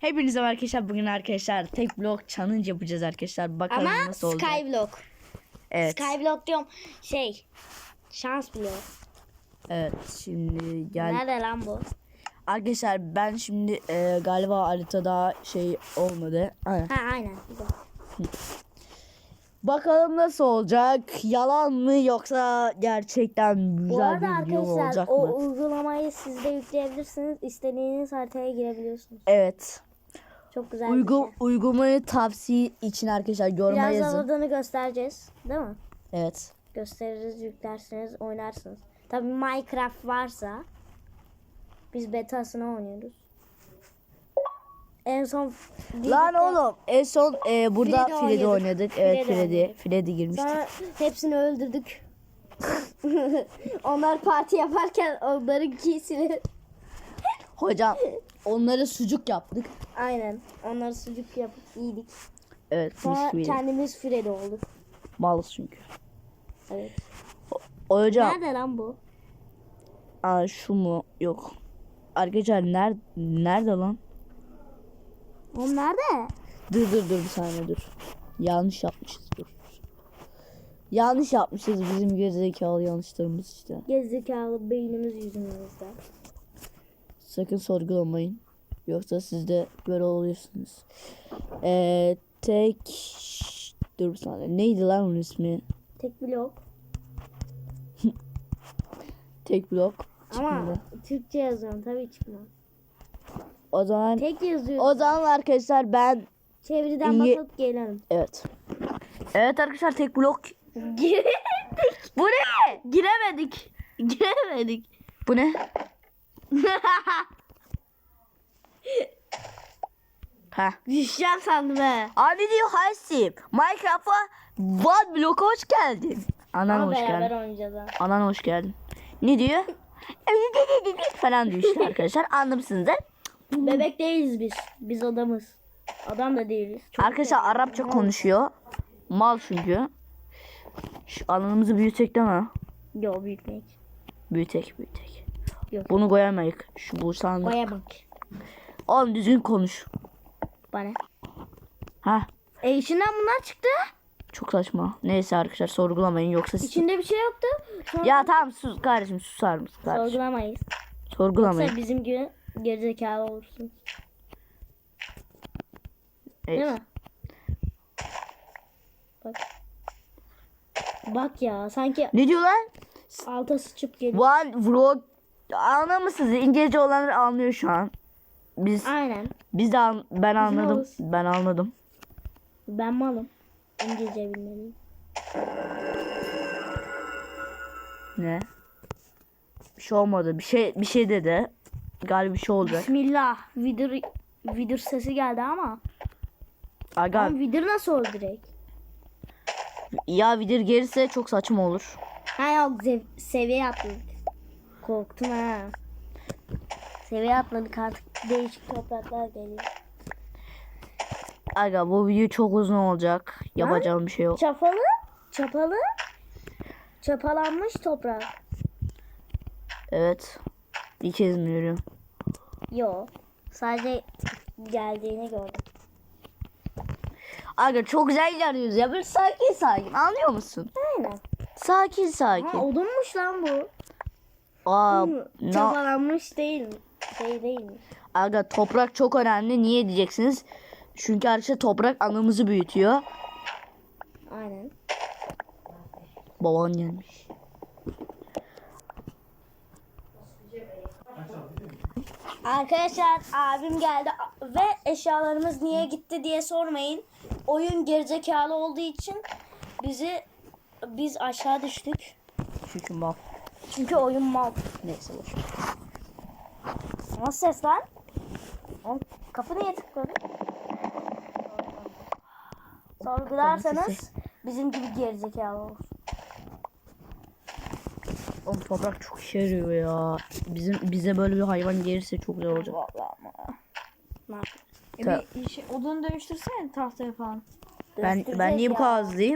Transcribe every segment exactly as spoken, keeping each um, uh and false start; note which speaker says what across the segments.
Speaker 1: Hepinize merhaba arkadaşlar. Bugün arkadaşlar tek blok challenge yapacağız arkadaşlar. Bakalım
Speaker 2: Ama
Speaker 1: nasıl olacak.
Speaker 2: Skyblock.
Speaker 1: Evet.
Speaker 2: Skyblock diyorum. Şey. Şans bloğu.
Speaker 1: Evet. Şimdi gel.
Speaker 2: Nerede lan bu?
Speaker 1: Arkadaşlar ben şimdi e, galiba haritada şey olmadı. Aynen.
Speaker 2: Ha aynen.
Speaker 1: Bakalım nasıl olacak? Yalan mı yoksa gerçekten
Speaker 2: Bu
Speaker 1: güzel
Speaker 2: arada
Speaker 1: bir video
Speaker 2: arkadaşlar
Speaker 1: olacak
Speaker 2: o
Speaker 1: mı?
Speaker 2: uygulamayı siz de yükleyebilirsiniz. İstediğiniz haritaya girebiliyorsunuz.
Speaker 1: Evet.
Speaker 2: Çok güzel
Speaker 1: Uygu
Speaker 2: bir şey.
Speaker 1: uygulamayı tavsiye için arkadaşlar yoruma
Speaker 2: Biraz
Speaker 1: yazın.
Speaker 2: adını göstereceğiz. Değil mi?
Speaker 1: Evet.
Speaker 2: Gösteririz, yüklersiniz, oynarsınız. Tabii Minecraft varsa biz betasını oynuyoruz. En son
Speaker 1: Lan oğlum en son e, burada
Speaker 2: Freddy
Speaker 1: Freddy
Speaker 2: oynadık.
Speaker 1: oynadık. Evet
Speaker 2: Freddy
Speaker 1: Freddy.
Speaker 2: oynadık.
Speaker 1: Freddy girmiştik.
Speaker 2: sonra hepsini öldürdük. Onlar parti yaparken onların giysini.
Speaker 1: Hocam onları sucuk yaptık.
Speaker 2: Aynen. Onları sucuk yapıp yedik.
Speaker 1: Evet.
Speaker 2: Sonra
Speaker 1: mis gibi.
Speaker 2: kendimiz Freddy olduk.
Speaker 1: Malız çünkü.
Speaker 2: Evet.
Speaker 1: O hocam.
Speaker 2: Nerede lan bu?
Speaker 1: Aa, şu mu? Yok. Arkadaşlar nerede, nerede lan?
Speaker 2: O nerede?
Speaker 1: Dur dur dur bir saniye dur. Yanlış yapmışız dur. Yanlış yapmışız bizim gerizekalı yanlışlarımız işte.
Speaker 2: Gerizekalı beynimiz yüzümüzde.
Speaker 1: Sakın sorgulamayın. Yoksa siz de böyle oluyorsunuz. Ee, tek... Dur bir saniye. Neydi lan onun ismi?
Speaker 2: Tek blok.
Speaker 1: Tek blok.
Speaker 2: Ama
Speaker 1: Çıkmadı.
Speaker 2: Türkçe yazıyorum tabii çıkmaz.
Speaker 1: O zaman...
Speaker 2: Tek yazıyor.
Speaker 1: O zaman arkadaşlar ben...
Speaker 2: Çeviriden
Speaker 1: İyi-
Speaker 2: bakıp gelelim.
Speaker 1: Evet. Evet arkadaşlar tek blok.
Speaker 2: Giremedik.
Speaker 1: Bu ne? Giremedik. Giremedik. Bu ne? Ha.
Speaker 2: Düşeceğim sandım he.
Speaker 1: Abi diyor Hasip. Minecraft'a One Block'a hoş geldin. Anan
Speaker 2: Ama
Speaker 1: hoş
Speaker 2: beraber
Speaker 1: geldin.
Speaker 2: oynayacağız ha.
Speaker 1: Anan hoş geldin. Ne diyor? falan diyor işte arkadaşlar. Anlamışsınız da.
Speaker 2: Bebek değiliz biz. Biz adamız. Adam da değiliz. Çok
Speaker 1: Arkadaşlar
Speaker 2: güzel.
Speaker 1: Arapça konuşuyor. Mal çünkü. Şu alanımızı büyütek değil mi?
Speaker 2: Yo büyütmek.
Speaker 1: Büyütek büyütek.
Speaker 2: Yok.
Speaker 1: Bunu koyamayız. Şu bu sandık.
Speaker 2: Baya bak.
Speaker 1: Oğlum düzgün konuş.
Speaker 2: Bana.
Speaker 1: Ha.
Speaker 2: E içinden bunlar çıktı.
Speaker 1: Çok saçma. Neyse arkadaşlar sorgulamayın yoksa siz...
Speaker 2: İçinde bir şey yoktu. Sonra
Speaker 1: Ya tamam sus kardeşim susar mısın kardeşim?
Speaker 2: sorgulamayız.
Speaker 1: Sorgulamayın.
Speaker 2: Yoksa bizim gibi gerizekalı olursun.
Speaker 1: Evet.
Speaker 2: Değil mi? Bak. Bak ya sanki
Speaker 1: Ne diyor lan?
Speaker 2: alta sıçıp geliyor.
Speaker 1: One vlog anlamışsınız. İngilizce olanlar anlıyor şu an. Biz
Speaker 2: Aynen.
Speaker 1: biz de an- ben anladım.
Speaker 2: olsun.
Speaker 1: Ben anladım.
Speaker 2: Ben malım. İngilizce bilmeliyim.
Speaker 1: Ne? Bir şey olmadı. Bir şey bir şey dedi. Galiba bir şey olacak.
Speaker 2: Bismillah. Vidir, vidir sesi geldi ama.
Speaker 1: Aga
Speaker 2: Ama vidir nasıl oldu direkt?
Speaker 1: ya vidir gelirse çok saçma olur.
Speaker 2: Ha yok zev- seviye atladık. Korktum ha. Seviye atladık artık değişik topraklar geliyor.
Speaker 1: Aga bu video çok uzun olacak. Yapacağım bir şey yok.
Speaker 2: Çapalı, çapalı, çapalanmış toprak.
Speaker 1: Evet. İlk kez mi yürüyorum?
Speaker 2: Yok. Sadece geldiğini gördüm.
Speaker 1: Aga çok güzel ilerliyoruz ya. Böyle sakin sakin. Anlıyor musun?
Speaker 2: Aynen.
Speaker 1: Sakin
Speaker 2: Ha
Speaker 1: sakin.
Speaker 2: odunmuş lan bu.
Speaker 1: Aa,
Speaker 2: Hı,
Speaker 1: na-
Speaker 2: Çapalanmış değil mi? Şey değil mi?
Speaker 1: Aga toprak çok önemli. Niye diyeceksiniz? Çünkü arkadaşlar toprak anamızı büyütüyor.
Speaker 2: Aynen.
Speaker 1: Baban gelmiş.
Speaker 2: Arkadaşlar abim geldi ve eşyalarımız niye gitti diye sormayın. Oyun gerizekalı olduğu için bizi biz aşağı düştük.
Speaker 1: Çünkü mal.
Speaker 2: Çünkü oyun mal.
Speaker 1: Neyse boş.
Speaker 2: Nasıl ses lan? Oğlum, kapı niye tıkladı? Sorgularsanız bizim gibi gerizekalı olur.
Speaker 1: Oğlum toprak çok işe yarıyor ya. Bizim bize böyle bir hayvan gelirse çok güzel olacak.
Speaker 2: Vallahi ama. Ne yapayım?
Speaker 3: E
Speaker 1: Ta-
Speaker 3: bir şey, odunu dönüştürsene tahtaya falan.
Speaker 1: Ben ben niye bu kadar hızlıyım?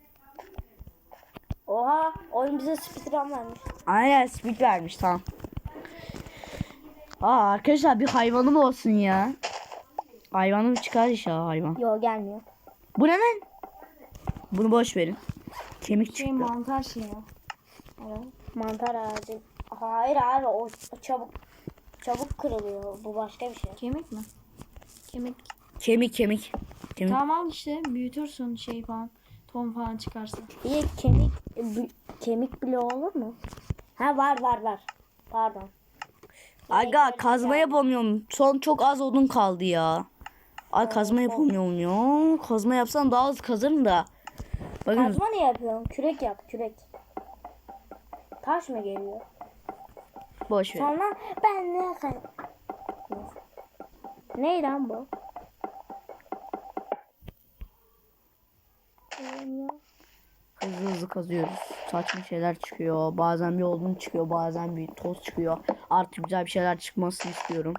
Speaker 2: Oha oyun bize speedrun vermiş.
Speaker 1: Aynen speed vermiş tamam. Aa arkadaşlar bir hayvanım olsun ya. Hayvanı mı çıkar inşallah hayvan.
Speaker 2: Yo gelmiyor.
Speaker 1: Bu ne lan? Bunu boş verin. Kemik
Speaker 3: Şey
Speaker 1: çıktı.
Speaker 3: mantar şey ya. Evet.
Speaker 2: Mantar ağacı. Hayır abi o çabuk çabuk kırılıyor. Bu başka bir şey.
Speaker 3: Kemik mi? Kemik.
Speaker 1: Kemik kemik. Kemik.
Speaker 3: Tamam al işte büyütürsün şey falan. Ton falan çıkarsa.
Speaker 2: İyi kemik bi- kemik bile olur mu? Ha var var var. Pardon.
Speaker 1: Aga kazma yapamıyorum. Son çok az odun kaldı ya. Ay kazma yapamıyorum ya. Kazma yapsam daha hızlı kazarım da. Bakın
Speaker 2: Kazma ne yapıyorsun? Kürek yap kürek. Taş mı geliyor?
Speaker 1: boş ver.
Speaker 2: Sonra ben ne kay... Ne lan bu?
Speaker 1: Hızlı hızlı kazıyoruz. Saçma şeyler çıkıyor. Bazen bir odun çıkıyor. Bazen bir toz çıkıyor. Artık güzel bir şeyler çıkmasını istiyorum.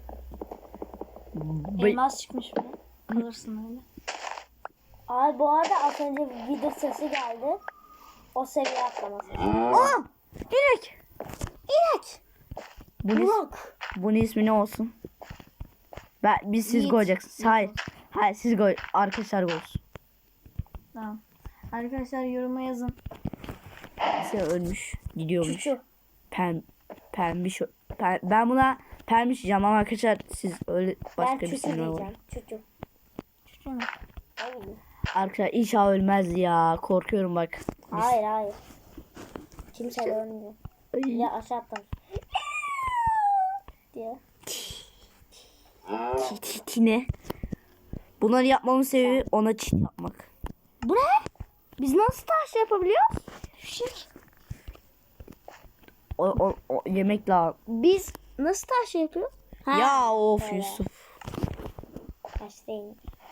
Speaker 1: Be-
Speaker 3: Elmas çıkmış bile. Kalırsın öyle.
Speaker 2: Abi bu arada az önce video sesi geldi. O seviye atlaması.
Speaker 1: Aa! İnek!
Speaker 2: İnek!
Speaker 1: Bunun, is-
Speaker 2: Burak!
Speaker 1: bunun ismi ne olsun? Ben, biz siz
Speaker 2: Yiğit.
Speaker 1: koyacaksınız. Hayır. Hayır siz koy. Arkadaşlar koysun.
Speaker 3: Tamam. Arkadaşlar yoruma yazın.
Speaker 1: Şey ölmüş. Gidiyormuş.
Speaker 2: Çuçu.
Speaker 1: Pen, pembiş. Pen, ben buna pembiş diyeceğim ama arkadaşlar siz öyle başka
Speaker 2: Ben
Speaker 1: bir
Speaker 2: çuçu
Speaker 1: isim var.
Speaker 2: diyeceğim. Çuçu.
Speaker 3: Çuçu mu?
Speaker 2: Hayır.
Speaker 1: Arkadaşlar inşallah ölmez ya. Korkuyorum bak.
Speaker 2: Hayır hayır. Kimse de ölmüyor.
Speaker 1: Ay.
Speaker 2: Ya aşağı atlar. diye.
Speaker 1: Ti- ti- Tine. Bunları yapmamın sebebi ona çit yapmak.
Speaker 2: Bu ne? Biz nasıl taş yapabiliyoruz?
Speaker 1: Şik. O, o, o yemek lazım.
Speaker 2: Biz nasıl taş yapıyoruz? Ha,
Speaker 1: Ya of
Speaker 2: öyle.
Speaker 1: Yusuf.
Speaker 2: Taş değil.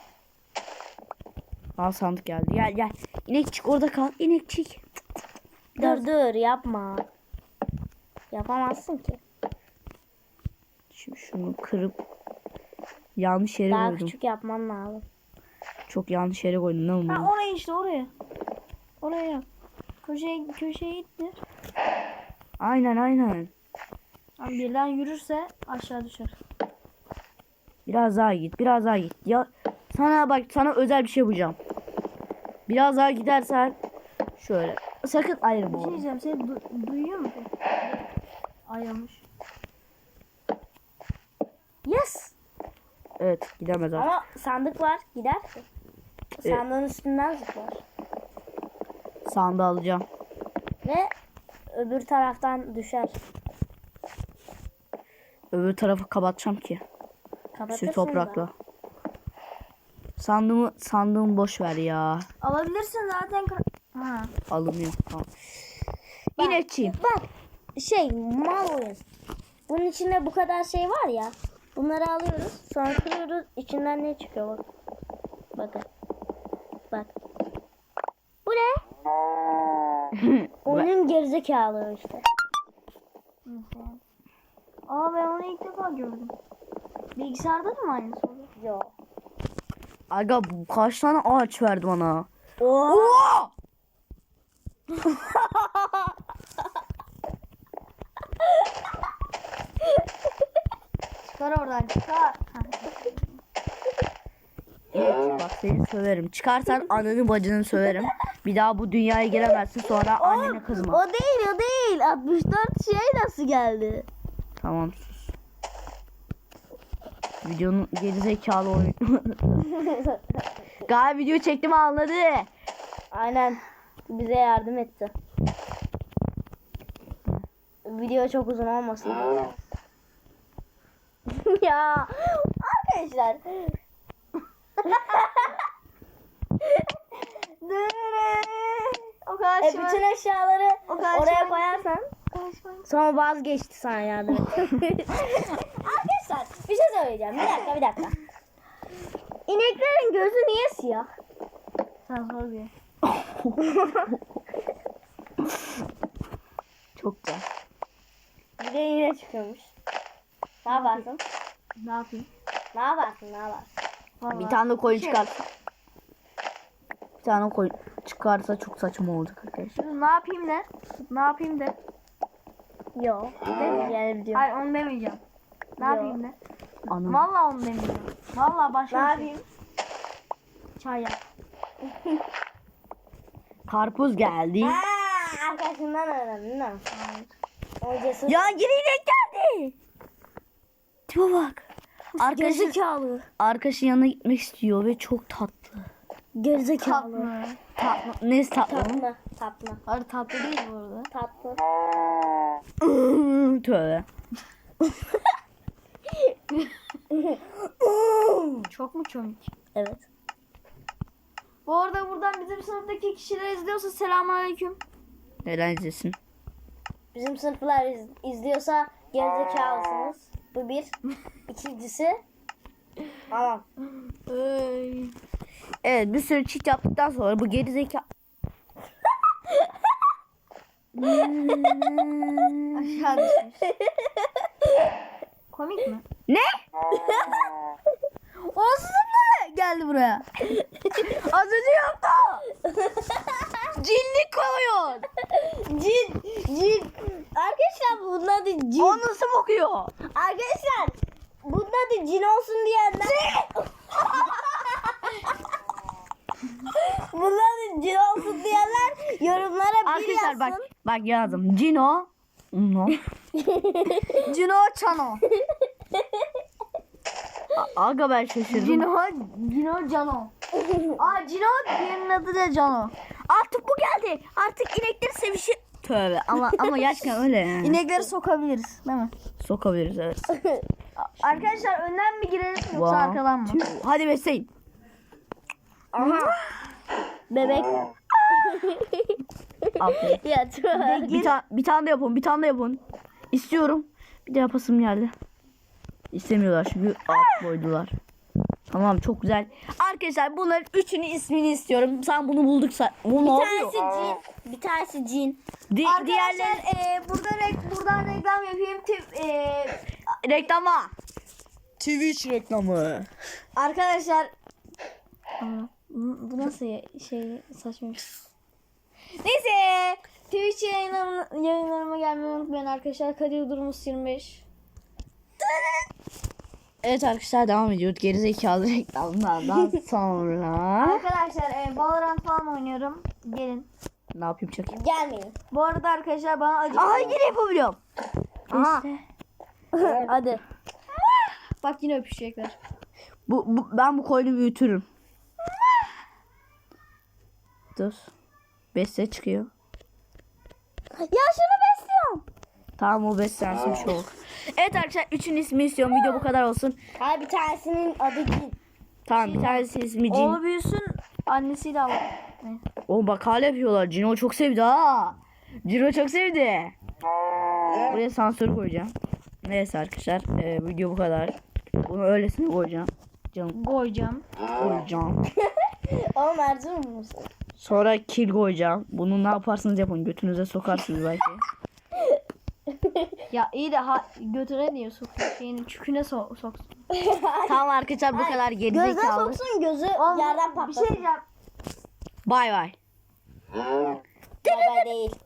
Speaker 1: Al sandık geldi. Gel gel. İnekçik orada kal. İnekçik.
Speaker 2: Dur dur yapma. Yapamazsın ki.
Speaker 1: Şimdi şunu kırıp yanlış yere
Speaker 2: Daha
Speaker 1: koydum.
Speaker 2: küçük yapman lazım.
Speaker 1: Çok yanlış yere koydum. Ne
Speaker 3: Ha
Speaker 1: oldu?
Speaker 3: oraya işte oraya. Oraya yap. Köşeye, köşeye ittir.
Speaker 1: Aynen aynen.
Speaker 3: Abi birden yürürse aşağı düşer.
Speaker 1: Biraz daha git. Biraz daha git. Ya sana bak sana özel bir şey yapacağım. Biraz daha gidersen şöyle. Sakın ayrılma.
Speaker 3: Bir şey
Speaker 1: oğlum.
Speaker 3: diyeceğim. Seni du- duyuyor musun? Ayrılmış.
Speaker 2: Yes.
Speaker 1: Evet gidemez artık.
Speaker 2: Ama sandık var. Gidersin.
Speaker 1: Evet.
Speaker 2: Sandığın üstünden zıplar.
Speaker 1: Sandığı alacağım.
Speaker 2: Ve öbür taraftan düşer.
Speaker 1: Öbür tarafı kapatacağım ki.
Speaker 2: Kapatırsın
Speaker 1: Şu toprakla.
Speaker 2: da.
Speaker 1: Sandığımı sandığımı boş ver ya.
Speaker 3: Alabilirsin zaten. ka- Ha.
Speaker 1: Alınıyor. Tamam.
Speaker 2: Bak,
Speaker 1: İnekçiyim.
Speaker 2: Bak şey mal oyun. Bunun içinde bu kadar şey var ya. Bunları alıyoruz. Sonra kırıyoruz. İçinden ne çıkıyor bak. Bakın. Bak. Bu ne? Oyunun gerizekalı işte.
Speaker 3: Aa ben onu ilk defa gördüm. Bilgisayarda da mı aynısı oluyor?
Speaker 2: Yo.
Speaker 1: Aga bu kaç tane ağaç verdi bana?
Speaker 2: Oo.
Speaker 1: Oo!
Speaker 3: Çıkar oradan çıkar. Ha.
Speaker 1: Evet bak seni söverim. Çıkarsan ananı bacını söverim. Bir daha bu dünyaya giremezsin sonra annene kızma.
Speaker 2: O değil o değil. altmış dört şey nasıl geldi?
Speaker 1: Tamam sus. Videonun gerizekalı oyun. Galiba video çektim anladı.
Speaker 2: Aynen. Bize yardım etti. Video çok uzun olmasın. ya arkadaşlar.
Speaker 3: O kadar
Speaker 2: E,
Speaker 3: şey
Speaker 2: bütün eşyaları
Speaker 3: O kadar
Speaker 2: oraya
Speaker 3: şey-
Speaker 2: koyarsan
Speaker 3: var.
Speaker 2: sonra vazgeçti sana yardım etti. Arkadaşlar bir şey söyleyeceğim. Bir dakika bir dakika. İneklerin gözü niye siyah?
Speaker 3: Sen sor bir.
Speaker 1: Çok güzel.
Speaker 2: Bir de yine çıkıyormuş. Ne yaparsın?
Speaker 3: Ne yapayım?
Speaker 2: Ne yaparsın? Ne yaparsın?
Speaker 3: Vallahi.
Speaker 1: Bir tane de koyun
Speaker 3: Şey-
Speaker 1: çıkarsa. Bir tane koyun çıkarsa çok saçma olacak arkadaşlar.
Speaker 3: Ne yapayım de? Ne yapayım de?
Speaker 2: Yok. Demeyeceğim diyor.
Speaker 3: Hayır onu demeyeceğim. Ne
Speaker 2: Yo.
Speaker 3: yapayım de?
Speaker 1: Anam.
Speaker 3: Vallahi onu demiyorum. Vallahi
Speaker 2: Ne
Speaker 3: başka bir şey.
Speaker 2: yapayım?
Speaker 3: Çay yap.
Speaker 1: Karpuz geldi.
Speaker 2: Aa, arkadaşından öğrendin değil mi? O cesur.
Speaker 1: Ya yine inek geldi. Tipe bak. Arkadaşı,
Speaker 2: Gerizekalı.
Speaker 1: arkadaşın yanına gitmek istiyor ve çok tatlı.
Speaker 2: Gerizekalı.
Speaker 3: Tatlı.
Speaker 1: Tatlı. Neyse tatlı.
Speaker 2: Tatlı. Tatlı.
Speaker 3: Hayır tatlı değil bu arada.
Speaker 2: Tatlı.
Speaker 1: Tövbe.
Speaker 3: Çok mu komik?
Speaker 2: Evet.
Speaker 3: Bu arada buradan bizim sınıftaki kişiler izliyorsa selamünaleyküm.
Speaker 1: Neden izlesin?
Speaker 2: Bizim sınıflar iz- izliyorsa gerizekalısınız. Bu bir. İkincisi. Tamam.
Speaker 3: Ey.
Speaker 1: Evet, bir sürü cheat yaptıktan sonra bu gerizekalı.
Speaker 3: Aşağı düşmüş. Komik mi?
Speaker 1: Ne? O sınıfla geldi buraya. Az önce yaptı. Cinlik koyuyor.
Speaker 2: Cin. Cin. Arkadaşlar bunun adı cin.
Speaker 1: O nasıl bakıyor?
Speaker 2: Arkadaşlar bunun adı cin olsun diyenler. Bunun adı cin olsun diyenler yorumlara bir
Speaker 1: Arkadaşlar
Speaker 2: yazsın.
Speaker 1: bak bak yazdım. Cino. No.
Speaker 3: Cino Çano.
Speaker 1: A- Aga ben şaşırdım.
Speaker 3: Cino, Cino Cano. Aa Cino diğerinin adı da Cano.
Speaker 1: Artık bu geldi. Artık inekler sevişi. Tövbe ama ama gerçekten öyle yani.
Speaker 3: İnekleri sokabiliriz değil mi?
Speaker 1: Sokabiliriz evet.
Speaker 3: Arkadaşlar önden mi girelim yoksa
Speaker 1: One,
Speaker 3: arkadan mı?
Speaker 1: two. Hadi besleyin.
Speaker 2: Aha. Bebek.
Speaker 1: Aferin.
Speaker 2: Ya tüh.
Speaker 1: Bir, ta- bir tane de yapın. Bir tane de yapın. İstiyorum. Bir de yapasım geldi. İstemiyorlar çünkü alt boydular. Tamam çok güzel. Arkadaşlar bunların üçünün ismini istiyorum. Sen bunu bulduksa. Bu ne
Speaker 2: Bir
Speaker 1: yapıyor?
Speaker 2: tanesi cin. Bir tanesi cin.
Speaker 1: Di-
Speaker 3: Arkadaşlar
Speaker 1: diğerleri
Speaker 3: e, burada rek- buradan reklam yapayım. Tip, e,
Speaker 1: reklama. Twitch reklamı.
Speaker 3: arkadaşlar Aa, bu bu nasıl ya- şey saçma bir şey. Neyse Twitch yayınlarım, yayınlarıma gelmeyi unutmayın arkadaşlar. Kadir Durmuş yirmi beş.
Speaker 1: Evet arkadaşlar devam ediyoruz. Gerizekalı reklamlardan sonra.
Speaker 3: Arkadaşlar e, Valorant falan oynuyorum. Gelin.
Speaker 1: Ne yapayım çakayım?
Speaker 2: Gelmeyin.
Speaker 3: Bu arada arkadaşlar bana acı.
Speaker 1: Aha yine yapabiliyorum.
Speaker 3: Aha.
Speaker 2: Hadi.
Speaker 3: Bak yine öpüşecekler.
Speaker 1: Bu, bu ben bu koyunu büyütürüm. Dur. Besle çıkıyor.
Speaker 2: Ya şunu besliyorum.
Speaker 1: Tamam o beslensin bir şey olur. Evet arkadaşlar üçün ismi istiyorum. Video bu kadar olsun.
Speaker 2: Hayır bir tanesinin adı cin.
Speaker 1: Tamam bir tanesi ismi Cin.
Speaker 3: Oğlu büyüsün annesiyle al. Ne?
Speaker 1: Oğlum bak hala yapıyorlar. Cino çok sevdi ha. Cino çok sevdi. Buraya sansür koyacağım. Neyse arkadaşlar e, video bu kadar. Bunu öylesine koyacağım. Canım
Speaker 3: Koyacağım.
Speaker 1: koyacağım.
Speaker 2: Oğlum Erzurum musun?
Speaker 1: Sonra kil koyacağım. Bunu ne yaparsınız yapın. Götünüze sokarsınız belki.
Speaker 3: Ya iyi de ha, götüne niye sokuyor? Şeyini çüküne so soksun.
Speaker 1: Tamam arkadaşlar bu kadar
Speaker 2: Gözden
Speaker 1: gerizekalı.
Speaker 2: soksun gözü
Speaker 3: Oğlum,
Speaker 2: yerden
Speaker 3: bir
Speaker 2: patlasın.
Speaker 3: şey diyeceğim.
Speaker 1: Bay bay.
Speaker 2: Baba değil.